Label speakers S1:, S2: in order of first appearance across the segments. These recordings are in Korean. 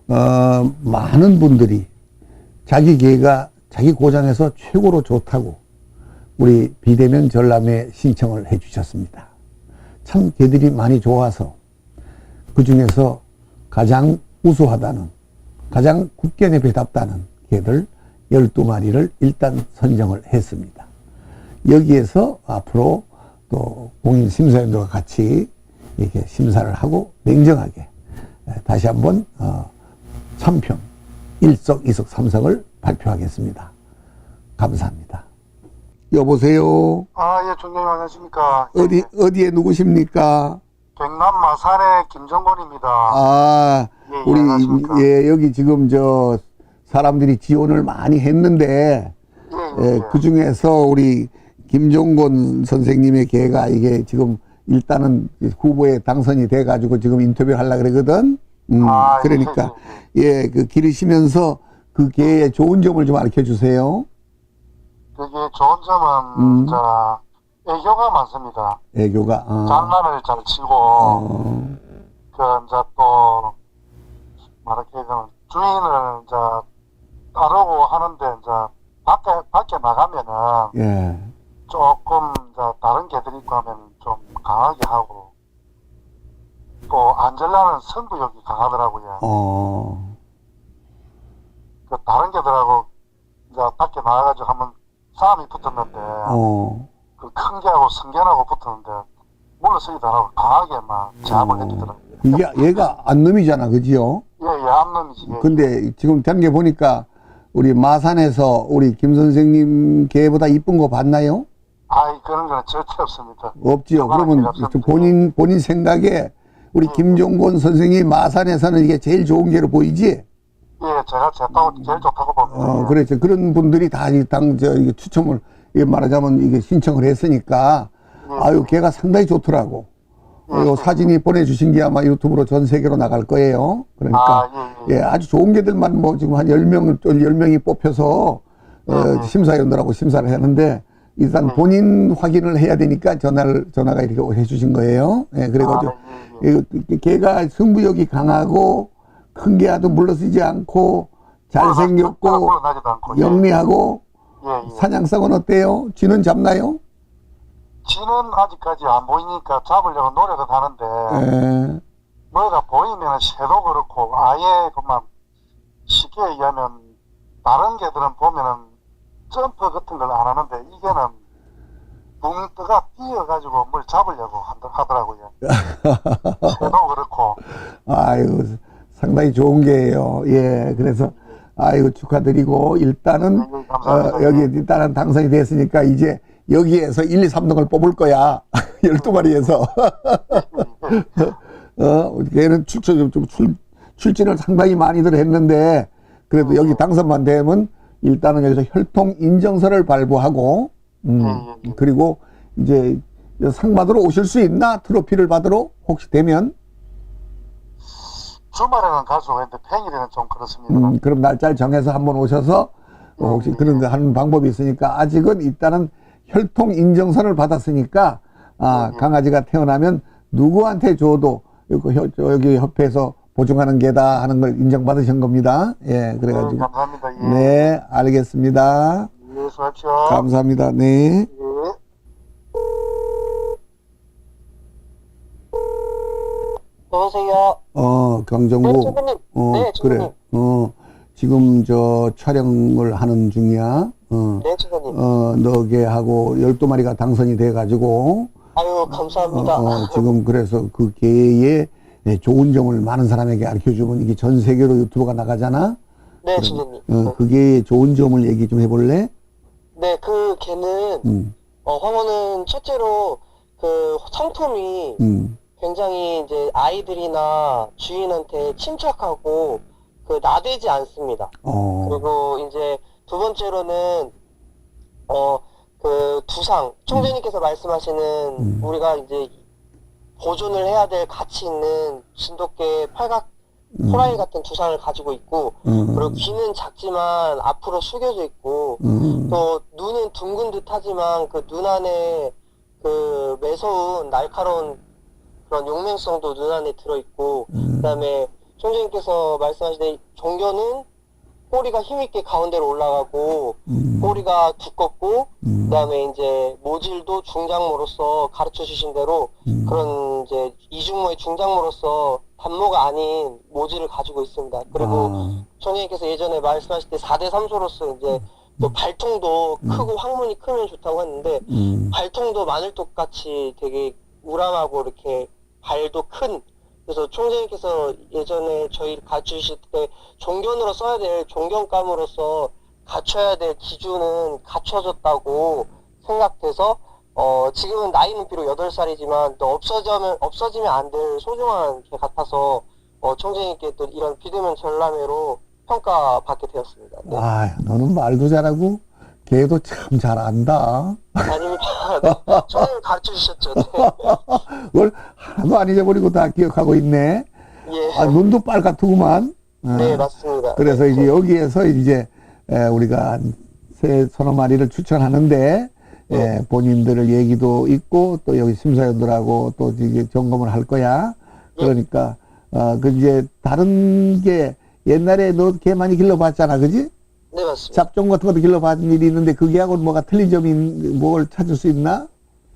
S1: 많은 분들이 자기 개가 자기 고장에서 최고로 좋다고 우리 비대면 전람회 신청을 해 주셨습니다. 참 개들이 많이 좋아서 그 중에서 가장 우수하다는, 가장 국견에 배답다는 개들 12마리를 일단 선정을 했습니다. 여기에서 앞으로 또 공인 심사위원들과 같이 이렇게 심사를 하고 냉정하게 다시 한번 참평 1석, 2석, 3석을 발표하겠습니다. 감사합니다. 여보세요.
S2: 예, 총장님 안녕하십니까.
S1: 어디에 누구십니까?
S2: 경남 마산의 김정권입니다. 예,
S1: 우리,
S2: 안녕하십니까.
S1: 예, 여기 지금 사람들이 지원을 많이 했는데, 그 중에서 우리 김종곤 선생님의 개가 이게 지금 일단은 후보에 당선이 돼가지고 지금 인터뷰를 하려고 그러거든. 그러니까, 그 기르시면서 그 개의 좋은 점을 좀 알려 주세요.
S2: 그게 좋은 점은, 애교가 많습니다.
S1: 애교가,
S2: 장난을 잘 치고, 또, 말하자면, 주인을, 따르고 하는데, 밖에 나가면은,
S1: 예.
S2: 조금, 다른 개들이 있고 하면 좀 강하게 하고, 또, 안젤라는 승부욕이 강하더라고요. 다른 개들하고, 밖에 나가가지고 한번 싸움이 붙었는데, 그 큰 개하고 승견하고 붙었는데, 물러서기도 안 하고 강하게 막 제압을 해주더라고요.
S1: 얘가 안놈이잖아, 그지요?
S2: 예, 암놈이지.
S1: 근데 지금 된 게 보니까 우리 마산에서 우리 김 선생님 개보다 이쁜 거 봤나요?
S2: 그런 거는 절대 없습니다.
S1: 없지요. 그러면 본인 생각에 우리 김종곤 선생님 마산에서는 이게 제일 좋은 개로 보이지?
S2: 예, 제가 제일 좋다고 봅니다.
S1: 그렇죠. 그런 분들이 다 이게 추첨을, 말하자면 이게 신청을 했으니까, 걔가 상당히 좋더라고. 사진이 보내주신 게 아마 유튜브로 전 세계로 나갈 거예요. 그러니까, 아주 좋은 개들만 지금 한 10명이 뽑혀서, 심사위원들하고 심사를 했는데, 일단 본인 확인을 해야 되니까 전화가 이렇게 해주신 거예요. 그래가지고, 걔가 승부욕이 강하고, 큰 개와도 물러서지 않고, 잘생겼고, 영리하고, 사냥성은 어때요? 쥐는 잡나요?
S2: 쥐는 아직까지 안 보이니까 잡으려고 노력은 하는데, 뭐가 보이면 새도 그렇고, 아예 그만 쉽게 얘기하면, 다른 개들은 보면은 점프 같은 걸 안 하는데, 이게는 붕 떠가 뛰어가지고 뭘 잡으려고 하더라고요. 새도 그렇고.
S1: 상당히 좋은 게예요. 그래서 축하드리고 일단은 여기 일단은 당선이 됐으니까 이제 여기에서 1, 2, 3등을 뽑을 거야. 12마리에서. 걔는 출진을 상당히 많이들 했는데 그래도 여기 당선만 되면 일단은 여기서 혈통 인정서를 발부하고 그리고 이제 상 받으러 오실 수 있나? 트로피를 받으러 혹시 되면?
S2: 주말에는 갈 수가 있는데 평일에는 좀 그렇습니다.
S1: 그럼 날짜를 정해서 한번 오셔서 혹시 그런 거 하는 방법이 있으니까 아직은 일단은 혈통 인정서를 받았으니까 강아지가 태어나면 누구한테 줘도 여기 협회에서 보증하는 게다 하는 걸 인정받으신 겁니다. 그래가지고.
S2: 감사합니다.
S1: 네, 알겠습니다.
S2: 수고하십시오.
S1: 감사합니다. 네.
S2: 여보세요.
S1: 강정구.
S2: 네,
S1: 그래. 지금 촬영을 하는 중이야.
S2: 네, 주부님.
S1: 너 개하고 12마리가 당선이 돼가지고.
S2: 아유, 감사합니다.
S1: 지금 그래서 그 개의 좋은 점을 많은 사람에게 알려주면 이게 전 세계로 유튜브가 나가잖아.
S2: 네, 주부님.
S1: 그 개의 좋은 점을 얘기 좀 해볼래?
S2: 네, 그 개는, 황호는 첫째로 그 성품이 굉장히 이제 아이들이나 주인한테 침착하고 그 나대지 않습니다. 그리고 이제 두 번째로는 그 두상 총재님께서 말씀하시는 우리가 이제 보존을 해야 될 가치 있는 진돗개 팔각 호랑이 같은 두상을 가지고 있고 그리고 귀는 작지만 앞으로 숙여져 있고 또 눈은 둥근 듯 하지만 그 눈 안에 그 매서운 날카로운 그런 용맹성도 눈 안에 들어있고 그다음에
S3: 총재님께서 말씀하신 종교는 꼬리가 힘있게 가운데로 올라가고 꼬리가 두껍고 그다음에 이제 모질도 중장모로서 가르쳐 주신 대로 그런 이제 이중모의 중장모로서 단모가 아닌 모질을 가지고 있습니다. 그리고 총재님께서 예전에 말씀하실 때 4대 3소로서 이제 또 발통도 크고 항문이 크면 좋다고 했는데 발통도 마늘톱 같이 되게 우람하고 이렇게 발도 큰, 그래서 총재님께서 예전에 저희 가르치실 때 종견으로 써야 될 종견감으로서 갖춰야 될 기준은 갖춰졌다고 생각돼서 지금은 나이는 비록 8살이지만 또 없어지면 안 될 소중한 개 같아서 총재님께 또 이런 비대면 전람회로 평가받게 되었습니다. 네.
S1: 아, 너는 말도 잘하고 걔도 참 잘한다.
S3: 아닙니다. 네. 총재님 가르쳐 주셨죠. 네.
S1: 그걸 하나도 안 잊어버리고 다 기억하고 있네.
S3: 예.
S1: 아, 눈도 빨갛더구만.
S3: 네, 맞습니다.
S1: 그래서
S3: 네.
S1: 이제 여기에서 이제 우리가 서너 마리를 추천하는데 본인들을 얘기도 있고 또 여기 심사위원들하고 또 이게 점검을 할 거야. 그러니까 그 이제 다른 게 옛날에 너 개 많이 길러봤잖아, 그지?
S3: 네, 맞습니다.
S1: 잡종 같은 것도 길러봤던 일이 있는데 그게하고 뭐가 틀린 점이 뭘 찾을 수 있나?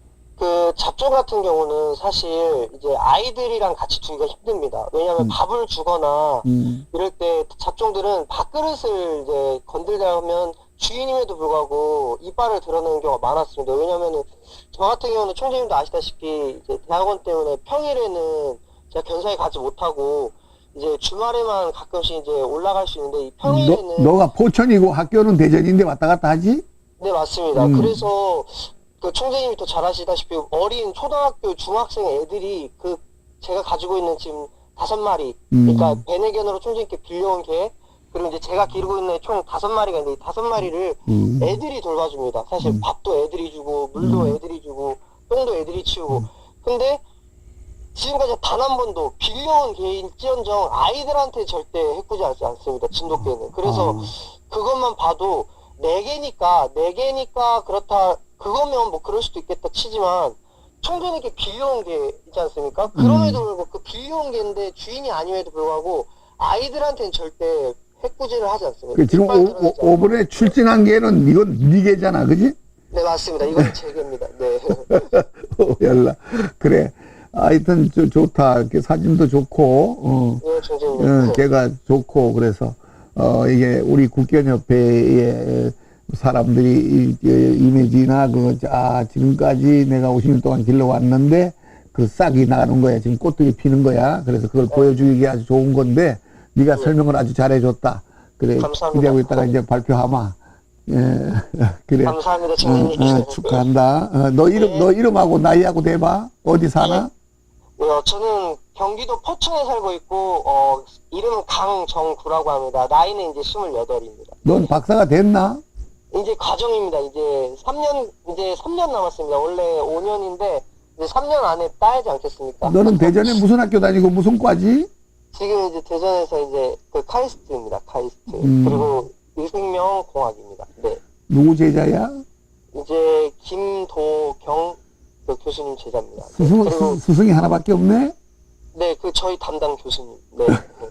S3: 그 잡종 같은 경우는 사실 이제 아이들이랑 같이 두기가 힘듭니다. 왜냐하면 밥을 주거나 이럴 때 잡종들은 밥그릇을 이제 건들다 하면 주인임에도 불구하고 이빨을 드러내는 경우가 많았습니다. 왜냐하면은 저 같은 경우는 총재님도 아시다시피 이제 대학원 때문에 평일에는 제가 견사에 가지 못하고 이제 주말에만 가끔씩 이제 올라갈 수 있는데 이 평일에는
S1: 너가 포천이고 학교는 대전인데 왔다 갔다 하지?
S3: 네, 맞습니다. 그래서 그 총재님이 또 잘 아시다시피 어린 초등학교 중학생 애들이 그 제가 가지고 있는 지금 5마리 그러니까 베네견으로 총재님께 빌려온 개 그리고 이제 제가 기르고 있는 총 5마리가 있는데 이 5마리를 애들이 돌봐줍니다. 사실 밥도 애들이 주고 물도 애들이 주고 똥도 애들이 치우고 근데 지금까지 단 한 번도 빌려온 개일지언정 아이들한테 절대 해꾸지 하지 않습니다. 진돗개는. 그래서 그것만 봐도 4개니까 그렇다 그거면 뭐 그럴 수도 있겠다 치지만 총재님께 빌려온 게 있지 않습니까? 그럼에도 불구하고 그 빌려온 개인데 주인이 아님에도 불구하고 아이들한테는 절대 해꾸지를 하지 않습니다.
S1: 그 지금 오번에 출진한 개는 이건 네 개잖아, 그지?
S3: 네, 맞습니다. 이건 제 개입니다. 네.
S1: 연락. 그래. 하여튼 좋다. 사진도 좋고,
S3: 네, 총재님.
S1: 걔가 좋고, 그래서, 이게 우리 국견협회의 사람들이 이미지나 지금까지 내가 50년 동안 길러왔는데 그 싹이 나가는 거야. 지금 꽃들이 피는 거야. 그래서 그걸 보여주기 아주 좋은 건데 네가 설명을 아주 잘해줬다. 그래.
S3: 감사합니다.
S1: 기대하고 있다가 이제 발표하마. 예. 그래.
S3: 감사합니다, 총재님.
S1: 축하한다. 너 이름하고 나이하고 대봐. 어디 사나?
S3: 저는 경기도 포천에 살고 있고, 이름은 강정구라고 합니다. 나이는 이제 28입니다.
S1: 넌 박사가 됐나?
S3: 이제 과정입니다. 이제 3년 남았습니다. 원래 5년인데, 이제 3년 안에 따야지 않겠습니까?
S1: 너는 대전에 무슨 학교 다니고 무슨 과지?
S3: 지금 이제 대전에서 이제 그 카이스트입니다. 카이스트. 그리고 유생명 공학입니다. 네.
S1: 누구 제자야?
S3: 이제 김도경 그 교수님 제자입니다.
S1: 스승이 하나밖에 없네?
S3: 네, 그 저희 담당 교수님. 네.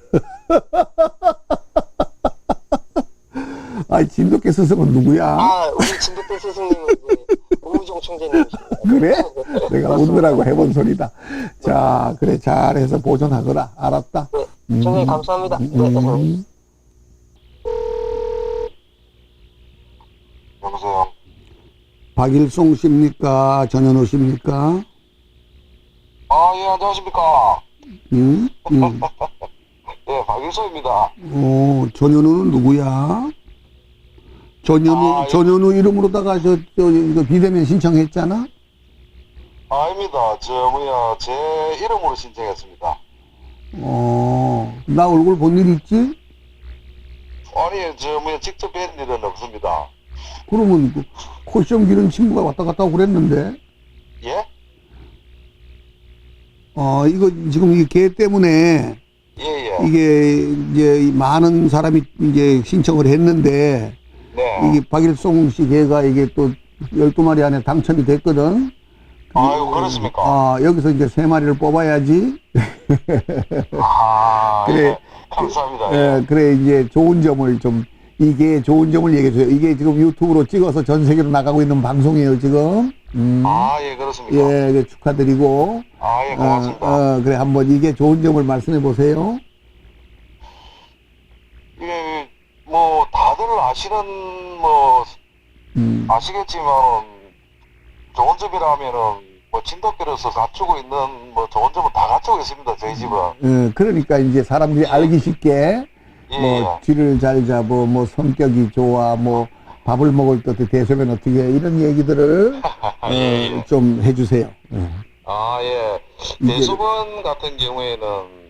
S1: 아이, 진돗개 스승은 누구야?
S3: 우리 진돗개 스승님은 이제 오우정 총재님이십니다.
S1: 그래? 내가 웃느라고 해본 소리다. 자, 그래, 잘해서 보존하거라. 알았다.
S3: 네, 총재님 감사합니다. 네.
S2: 여보세요.
S1: 박일송 씨입니까? 전현우 씨입니까?
S2: 예, 안녕하십니까.
S1: 응?
S2: 예, 박일서입니다.
S1: 전현우는 누구야? 전현우 이름으로다가 이거 비대면 신청했잖아?
S2: 아닙니다. 제 이름으로 신청했습니다.
S1: 나 얼굴 본 일 있지?
S2: 아니, 직접 뵌 일은 없습니다.
S1: 그러면 코시험 기른 친구가 왔다 갔다 하고 그랬는데?
S2: 예?
S1: 이거 지금 이 개 때문에
S2: 예.
S1: 이게 이제 많은 사람이 이제 신청을 했는데
S2: 네.
S1: 이게 박일송 씨 개가 이게 또 12마리 안에 당첨이 됐거든.
S2: 아유, 그렇습니까?
S1: 아, 여기서 이제 3마리를 뽑아야지.
S2: 아,
S1: 그래.
S2: 예. 감사합니다.
S1: 예, 그래, 이제 좋은 점을 좀, 이게 좋은 점을 얘기해줘요. 이게 지금 유튜브로 찍어서 전 세계로 나가고 있는 방송이에요, 지금.
S2: 아, 예, 그렇습니까?
S1: 예, 그 축하드리고.
S2: 아, 예, 고맙습니다.
S1: 그래, 한번 이게 좋은 점을 말씀해 보세요.
S2: 예, 뭐, 다들 아시는, 뭐, 아시겠지만, 좋은 점이라면은, 뭐, 진돗개로서 갖추고 있는, 뭐, 좋은 점은 다 갖추고 있습니다, 저희 집은.
S1: 그러니까 이제 사람들이 알기 쉽게,
S2: 예,
S1: 뭐, 쥐를 잘 잡어, 뭐, 성격이 좋아, 뭐, 밥을 먹을 때 대소변 어떻게 해, 이런 얘기들을,
S2: 예.
S1: 좀 해주세요.
S2: 아, 예. 대소변 같은 경우에는,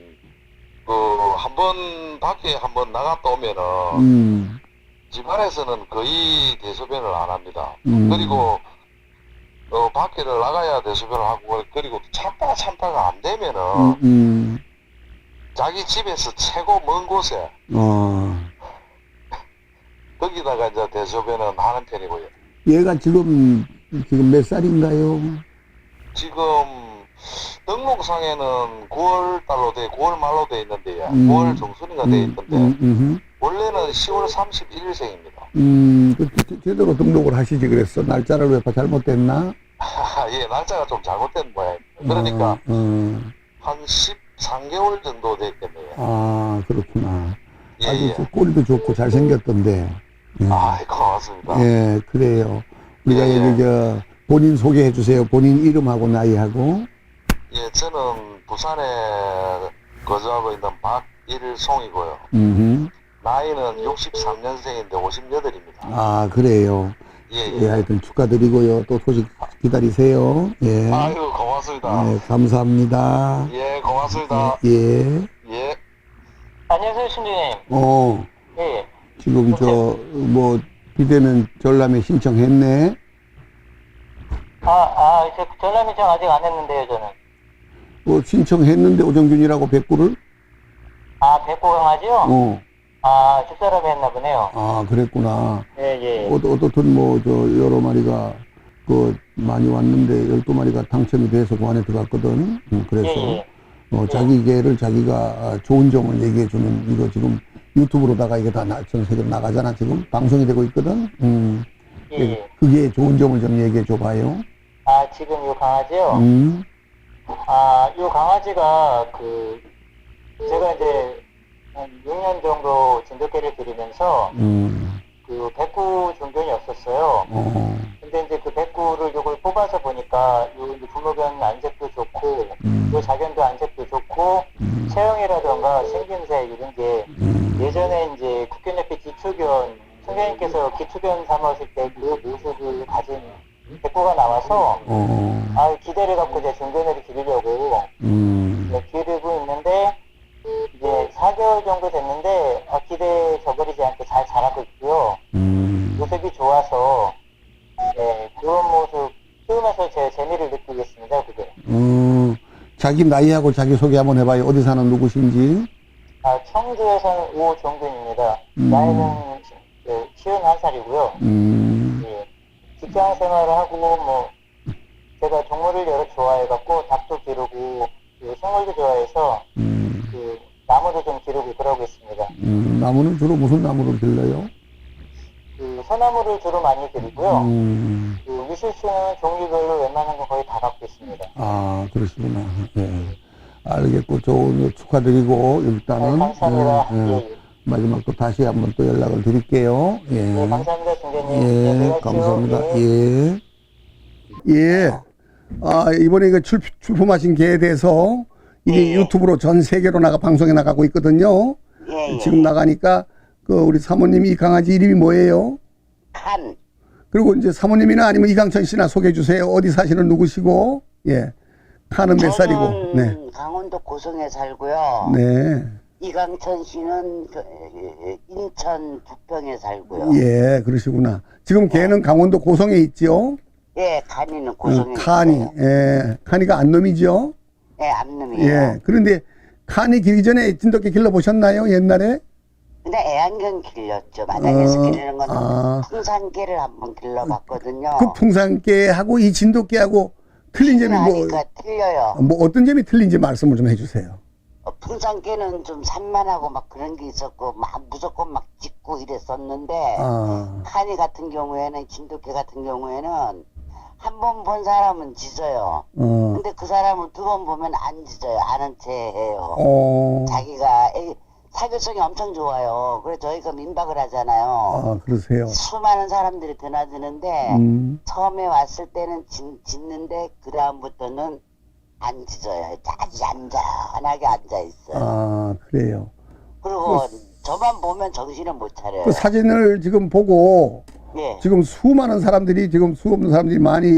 S2: 한번 밖에 한번 나갔다 오면은, 집안에서는 거의 대소변을 안 합니다. 그리고, 밖에를 나가야 대소변을 하고, 그리고 참다가 안 되면은, 자기 집에서 최고 먼 곳에, 거기다가 이제 대소변은 하는 편이고요.
S1: 얘가 지금 몇 살인가요?
S2: 지금, 등록상에는 9월 말로 돼 있는데요. 9월 중순인가 돼 있던데, 원래는 10월 31일생입니다.
S1: 제대로 등록을 하시지 그랬어. 날짜를 왜 잘못됐나?
S2: 예, 날짜가 좀 잘못된 모양입니다. 그러니까, 한 13개월 정도 됐겠네요.
S1: 아, 그렇구나.
S2: 예,
S1: 아주
S2: 예.
S1: 꼴도 좋고 잘생겼던데.
S2: 아, 고맙습니다.
S1: 예, 그래요. 우리가
S2: 예,
S1: 여기 본인 소개해 주세요. 본인 이름하고 나이하고.
S2: 예, 저는 부산에 거주하고 있는 박일송이고요. 나이는 63년생인데 58입니다.
S1: 아, 그래요.
S2: 예,
S1: 예,
S2: 예.
S1: 하여튼 축하드리고요. 또 소식 기다리세요. 예.
S2: 아유, 고맙습니다.
S1: 예, 감사합니다.
S2: 예, 고맙습니다.
S1: 예.
S2: 예.
S3: 안녕하세요, 신주님. 예.
S1: 지금 비대면 전람회 신청했네.
S3: 저 전남 신청 아직 안 했는데요, 저는.
S1: 신청했는데 오정균이라고 백구를?
S3: 백호 강아지요? 집사람이 했나 보네요.
S1: 아, 그랬구나.
S3: 예.
S1: 어떻든 여러 마리가, 많이 왔는데, 12마리가 당첨이 돼서 그 안에 들어갔거든. 그래서,
S3: 예.
S1: 자기 개를 자기가 좋은 점을 얘기해주는, 이거 지금 유튜브로다가 이게 다 전 세계로 나가잖아, 지금. 방송이 되고 있거든.
S3: 예.
S1: 그게 좋은 점을 좀 얘기해줘 봐요.
S3: 지금 요 강아지요? 요 강아지가, 제가 이제, 한 6년 정도 진돗개를 기르면서, 백구 종견이 없었어요. 근데 이제 그 백구를 요걸 뽑아서 보니까, 요 이제 부모견 안색도 좋고, 요 자견도 안색도 좋고, 체형이라던가 생김새 이런 게, 예전에 이제 국견협회 기초견, 선생님께서 기초견 삼았을 때 그 모습을 가진 백구가 나와서, 기대를 갖고 제 종견을 기르려고, 기르고 있는데, 이제 4개월 정도 됐는데 기대 저버리지 않게 잘 자라고 있고요. 모습이 좋아서 그런 모습 키우면서 제 재미를 느끼고 있습니다. 그게.
S1: 자기 나이하고 자기 소개 한번 해봐요. 어디 사는 누구신지.
S3: 청주에서는 오종균입니다. 나이는 51살이고요. 예. 직장 생활을 하고 제가 동물을 여러 좋아해갖고 닭도 기르고 생물도 좋아해서 나무도 좀 기르고 그러고 있습니다.
S1: 나무는 주로 무슨 나무를 길러요?
S3: 소나무를 주로 많이 기르고요. 유실수는 종류별로 웬만한 거 거의 다 갖고 있습니다.
S1: 아, 그러시구나. 예. 알겠고, 좋은 축하드리고, 일단은.
S3: 감사합니다. 예.
S1: 마지막 또 다시 한번 또 연락을 드릴게요. 예.
S3: 네, 감사합니다, 중재님.
S1: 예,
S3: 네,
S1: 감사합니다.
S3: 예.
S1: 예. 이번에 이거 출품하신 개에 대해서 이게 유튜브로 전 세계로 방송에 나가고 있거든요. 지금 나가니까 우리 사모님이 이 강아지 이름이 뭐예요?
S4: 칸.
S1: 그리고 이제 사모님이나 아니면 이강천 씨나 소개해 주세요. 어디 사시는 누구시고? 예. 칸은 몇 살이고? 네.
S4: 강원도 고성에 살고요.
S1: 네.
S4: 이강천 씨는 인천 부평에 살고요.
S1: 예, 그러시구나. 지금 걔는 강원도 고성에 있죠?
S4: 예, 칸이는 고성에
S1: 칸이.
S4: 있어요.
S1: 예. 칸이가 안놈이죠?
S4: 예, 암놈이에요.
S1: 예. 그런데 칸이 길기 전에 진돗개 길러보셨나요? 옛날에?
S4: 근데 애완견 길렸죠. 마당에서 기르는 거는
S1: 아.
S4: 풍산개를 한번 길러봤거든요.
S1: 그 풍산개하고 이 진돗개하고 틀린 점이
S4: 하니까 틀려요.
S1: 뭐 어떤 점이 틀린지 말씀을 좀 해주세요.
S4: 풍산개는 좀 산만하고 막 그런 게 있었고 막 무조건 막 짖고 이랬었는데
S1: 아,
S4: 한이 같은 경우에는 진돗개 같은 경우에는 한 번 본 사람은 짖어요. 근데 그 사람을 두 번 보면 안 짖어요. 아는 체 해요. 자기가 사교성이 엄청 좋아요. 그래서 저희가 민박을 하잖아요.
S1: 아, 그러세요.
S4: 수많은 사람들이 드나드는데 처음에 왔을 때는 짖는데 그 다음부터는 안 짖어요. 아주 얌전하게 앉아 있어요.
S1: 아, 그래요.
S4: 그리고 저만 보면 정신을 못 차려요.
S1: 그 사진을 지금 보고
S4: 예.
S1: 지금 수많은 사람들이 지금 수 없는 사람들이 많이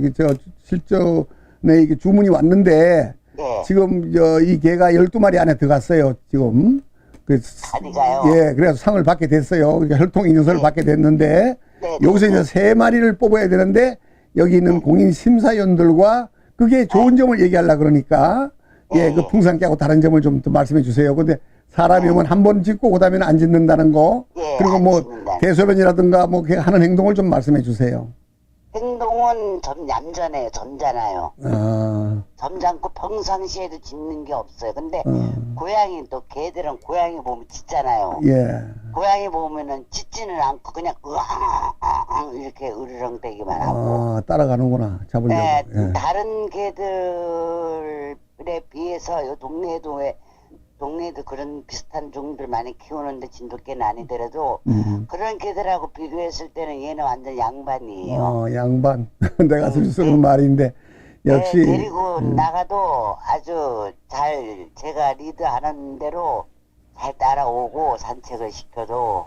S1: 실전에 이게 주문이 왔는데
S4: 예.
S1: 지금 이 개가 12마리 안에 들어갔어요. 지금.
S4: 아니가요.
S1: 예, 그래서 상을 받게 됐어요. 그러니까 혈통 인증서를 받게 됐는데 여기서 이제 3마리를 뽑아야 되는데 여기 있는 공인 심사위원들과 그게 좋은 점을 얘기하려고 그러니까 그 풍산개하고 다른 점을 좀 더 말씀해 주세요. 근데 사람이 오면 한 번 짖고 그다음에는 안 짖는다는 거 그리고 뭐 대소변이라든가 뭐 하는 행동을 좀 말씀해 주세요.
S4: 행동은 좀 얌전해요. 점잖아요.
S1: 아,
S4: 점잖고 평상시에도 짖는 게 없어요. 근데 고양이 또 개들은 고양이 보면 짖잖아요.
S1: 예.
S4: 고양이 보면은 짖지는 않고 그냥 으앙 이렇게 으르렁대기만 하고.
S1: 아, 따라가는구나. 잡으려고.
S4: 네,
S1: 예.
S4: 다른 개들에 비해서 요 동네에도 그런 비슷한 종들 많이 키우는데 진돗개는 아니더라도 그런 개들하고 비교했을 때는 얘는 완전 양반이에요.
S1: 양반. 내가 쓰는 말인데 역시
S4: 네, 데리고 나가도 아주 잘 제가 리드하는 대로 잘 따라오고 산책을 시켜도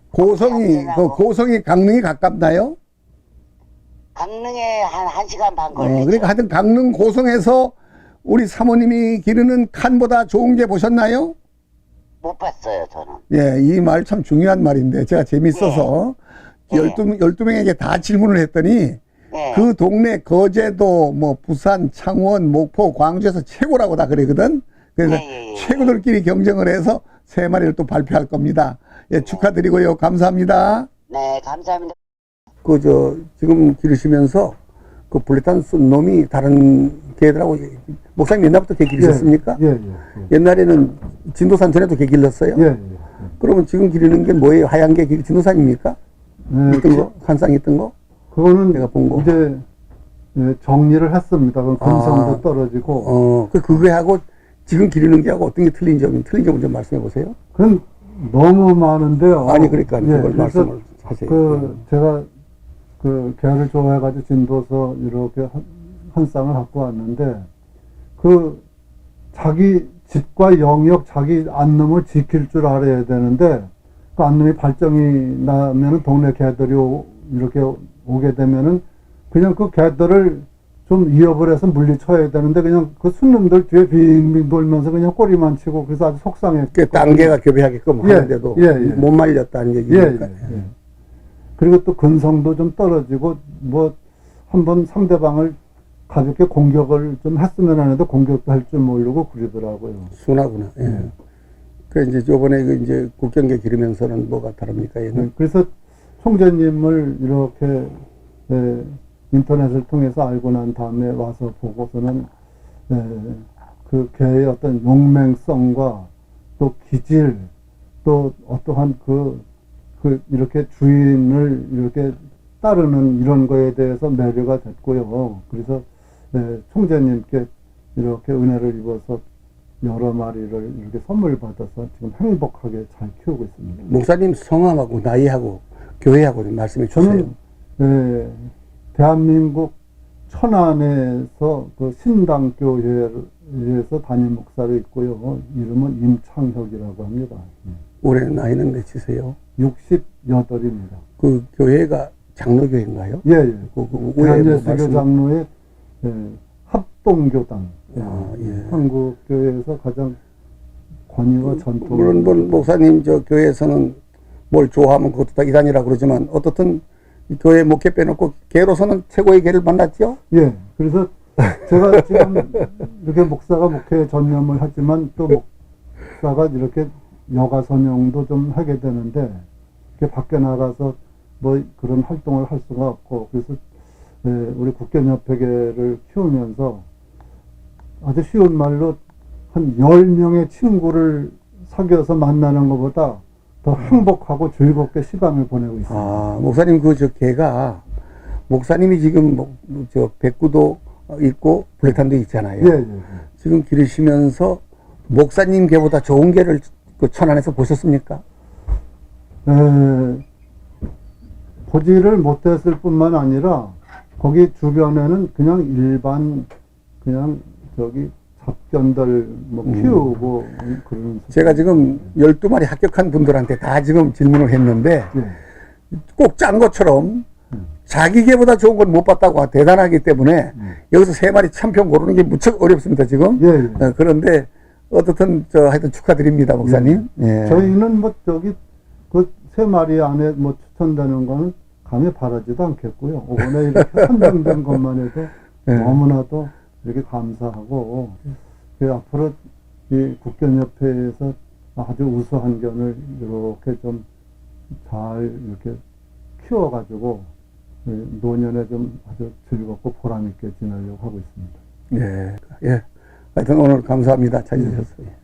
S1: 고성이 강릉이 가깝나요?
S4: 강릉에 한 1시간 반 걸리죠.
S1: 그러니까 하여튼 강릉 고성에서 우리 사모님이 기르는 칸보다 좋은 게 보셨나요?
S4: 못 봤어요, 저는.
S1: 예, 이 말 참 중요한 말인데 제가 재밌어서 12명에게 다 질문을 했더니 그 동네 거제도, 뭐 부산, 창원, 목포, 광주에서 최고라고 다 그러거든. 그래서 최고들끼리 경쟁을 해서 3마리를 또 발표할 겁니다. 예, 축하드리고요. 감사합니다.
S4: 네, 감사합니다.
S1: 지금 기르시면서 그 블레탄 쓴 놈이 다른 개들하고 목사님 옛날부터 개 기르셨습니까?
S5: 예.
S1: 옛날에는 진도산 전에도 개 길렀어요?
S5: 예.
S1: 그러면 지금 기르는 게 뭐예요? 하얀 게 진도산입니까? 있던 거? 한쌍 있던 거?
S5: 그거는
S1: 내가 본 거.
S5: 이제 정리를 했습니다. 그럼 근성도 떨어지고.
S1: 그거하고 지금 기르는 게하고 어떤 게 틀린 점을 좀 말씀해 보세요.
S5: 그건 너무 많은데요.
S1: 아니, 그러니까 그걸
S5: 그래서
S1: 말씀을 하세요.
S5: 제가 개를 좋아해가지고 진도서 이렇게 한 쌍을 갖고 왔는데 자기 집과 영역, 자기 안놈을 지킬 줄 알아야 되는데 그 안놈이 발정이 나면은 동네 개들이 이렇게 오게 되면은 그냥 그 개들을 좀 위협을 해서 물리쳐야 되는데 그냥 그 순놈들 뒤에 빙빙 돌면서 그냥 꼬리만 치고 그래서 아주 속상했고.
S1: 딴 개가 교배하게끔 하는데도 못 말렸다는 얘기니까.
S5: 그리고 또 근성도 좀 떨어지고 뭐 한번 상대방을 가볍게 공격을 좀 했으면 하는데 공격도 할 줄 모르고 그러더라고요.
S1: 순하구나. 그 이제 저번에 이제 국경계 기르면서는 뭐가 다릅니까? 얘는?
S5: 그래서 총재님을 이렇게 인터넷을 통해서 알고 난 다음에 와서 보고서는 그 개의 어떤 용맹성과 또 기질 또 어떠한 이렇게 주인을 이렇게 따르는 이런 거에 대해서 매료가 됐고요. 그래서 총재님께 이렇게 은혜를 입어서 여러 마리를 이렇게 선물 받아서 지금 행복하게 잘 키우고 있습니다.
S1: 목사님 성함하고 나이하고 교회하고 좀 말씀해 주세요.
S5: 저는 대한민국 천안에서 그 신당교회에서 담임 목사로 있고요. 이름은 임창혁이라고 합니다.
S1: 올해 나이는 몇이세요?
S5: 68입니다.
S1: 그 교회가 장로교회인가요?
S5: 예.
S1: 대한예수교
S5: 장로의 합동교당.
S1: 예.
S5: 한국교회에서 가장 권위와 전통.
S1: 물론 목사님 저 교회에서는 뭘 좋아하면 그것도 다 이단이라고 그러지만 어떻든 교회 목회 빼놓고 개로서는 최고의 개를 만났죠?
S5: 예. 그래서 제가 지금 이렇게 목사가 목회에 전념을 하지만 또 목사가 이렇게 여가 선용도 좀 하게 되는데 이렇게 밖에 나가서 뭐 그런 활동을 할 수가 없고 그래서 우리 국견협회계를 키우면서 아주 쉬운 말로 한 10명의 친구를 사귀어서 만나는 것보다 더 행복하고 즐겁게 시간을 보내고 있습니다.
S1: 아, 목사님 그 저 개가 목사님이 지금 저 백구도 있고 블랙탄도 있잖아요.
S5: 예, 예, 예.
S1: 지금 기르시면서 목사님 개보다 좋은 개를 그 천안에서 보셨습니까?
S5: 보지를 못했을 뿐만 아니라 거기 주변에는 그냥 일반 그냥 저기 잡견들 뭐 키우고 그런.
S1: 제가 지금 12마리 합격한 분들한테 다 지금 질문을 했는데
S5: 예.
S1: 꼭 짠 것처럼 자기 개보다 좋은 건 못 봤다고 대단하기 때문에 여기서 3마리 참평 고르는 게 무척 어렵습니다, 지금.
S5: 예, 예.
S1: 그런데 어떻든 하여튼 축하드립니다, 목사님. 예.
S5: 저희는 뭐 저기 그 3마리 안에 뭐 추천되는 거는 감히 바라지도 않겠고요. 이번에 이렇게 선정된 것만 해도
S1: 예.
S5: 너무나도 이렇게 감사하고 앞으로 이 국견협회에서 아주 우수한 견을 이렇게 좀 잘 이렇게 키워가지고 노년에 좀 아주 즐겁고 보람있게 지내려고 하고 있습니다.
S1: 예. 예. 하여튼 오늘 감사합니다. 찾아주셔서.